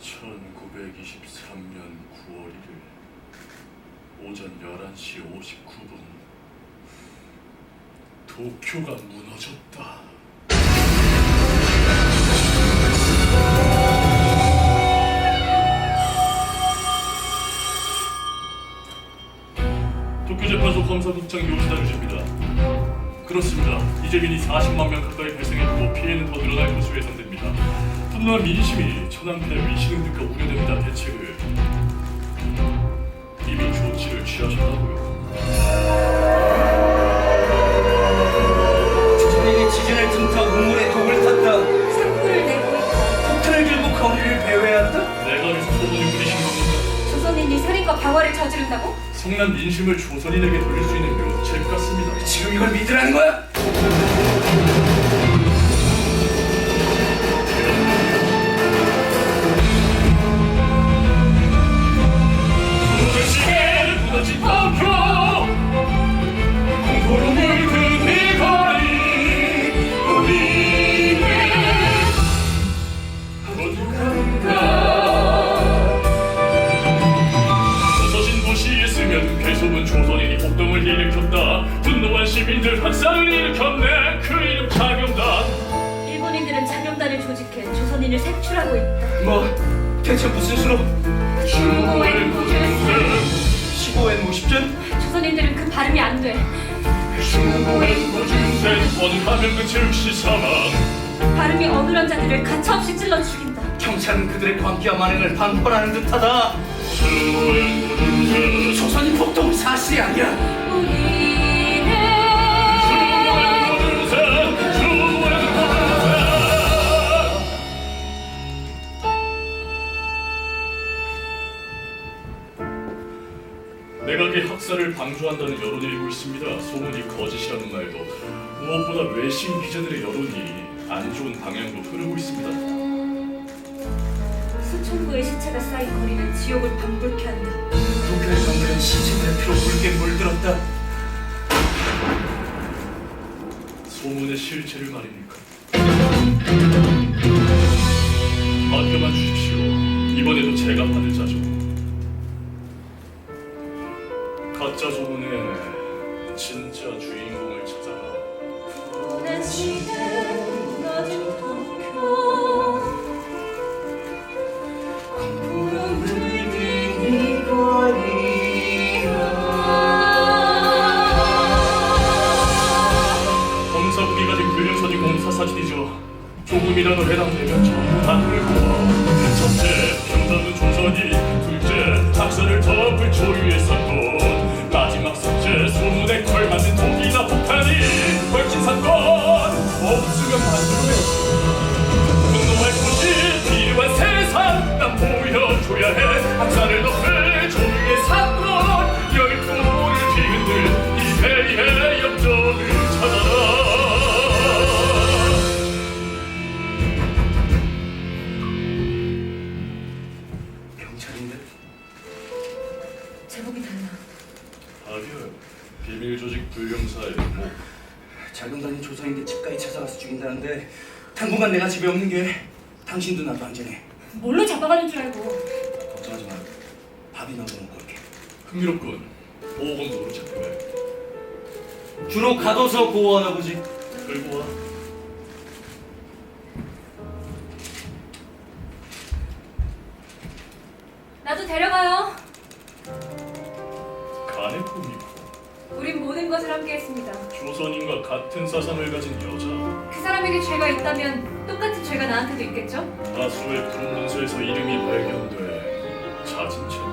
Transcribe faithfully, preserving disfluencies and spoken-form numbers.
천구백이십삼 년 구월 일일 오전 열한 시 오십구 분 도쿄가 무너졌다. 도쿄재판소 검사국장 요시다 유지입니다. 그렇습니다. 이재민이 사십만 명 가까이 발생했고 피해는 더 늘어날 것으로 예상됩니다. 분노한 민심이 천황폐하 위신을 듣고 우려됩니다. 대책을 이미 조치를 취하셨다고요. 조선인이 지진을 틈타 우물에 독을 탔다. 상부를 내고 있다. 폭탄을 들고 거리를 배회한다. 내가 여기서 소문을 부리신 겁니까? 조선인이 살인과 방화를 저지른다고? 성난 민심을 조선인에게 돌릴 수 있는 묘책 같습니다. 지금 이걸 믿으라는 거야? 무너지게 무너진 도쿄 공포로 물든 이 거리 우리는 어디간가. 조서진 도시에 쓰면 괴소문 조선인이 폭동을 일으켰다. 분노한 시민들 학살을 일으켰네. 그 이름 자경단. 일본인들은 자경단을 조직해 조선인을 색출하고 있다. 뭐 대체 무슨 수로? 중고의 고준sen. 십오 엔 오십 전? 조선인들은 그 발음이 안 돼. 중고의 고준sen 원하면 즉시 사망. 발음이 어눌한 자들을 가차없이 찔러 죽인다. 경찰은 그들의 광기와 만행을 방관하는 듯하다. 중고의 고준sen 조선인 폭동은 사실이 아니야. 우리는 중고의 고준sen 중고의 고준sen. 내각의 학살을 방조한다는 여론이 일고 있습니다. 소문이 거짓이라는 말도 무엇보다 외신 기자들의 여론이 안 좋은 방향으로 흐르고 있습니다. 수천 구의 시체가 쌓인 거리는 지옥을 방불케 한다. 도쿄의 정들은 시체들의 피로 붉게 물들었다. 소문의 실체를 말입니까? 맡겨만 주십시오. 이번에도 제가 받을 자죠. 가짜 소문의 진짜 주인공을 찾아라. 오랜 시대 무너진 도쿄 공포로 물든 이 거리가 검사국이 가진 불륜서진 공사 사진이죠. 조금이라도 해당되면 전부 다 들고. 첫째, 평단은 조선이. 둘째, 학살을 덮을 조유의 사건. 마지막 셋째, 소문에 걸맞는 독이나 폭탄이 걸친 사건. 없으면 만들어내지. 분노할 곳이 필요한 세상 난 보여줘야 해. 학살을 덮을 조유의 사건. 열풍을 뒤흔들 이 회의의 역전을 찾아라. 경찰인데? 제목이 달라. 아니요. 비밀 조직 불경사의 뭐 자경단이 조선인들 집까지 찾아가서 죽인다는데 당분간 내가 집에 없는 게 당신도 나도 안전해. 뭘로 잡아가는 줄 알고. 걱정하지 마. 밥이나 먹고 올게. 흥미롭군. 보호검도로 잡혀가요. 주로 가둬서 보호하나 보지. 끌고 와. 나도 데려가요. 간의 꿈이고 우린 모든 것을 함께했습니다. 조선인과 같은 사상을 가진 여자. 그 사람에게 죄가 있다면 똑같은 죄가 나한테도 있겠죠? 다수의 구름 문서에서 이름이 발견돼 자진 채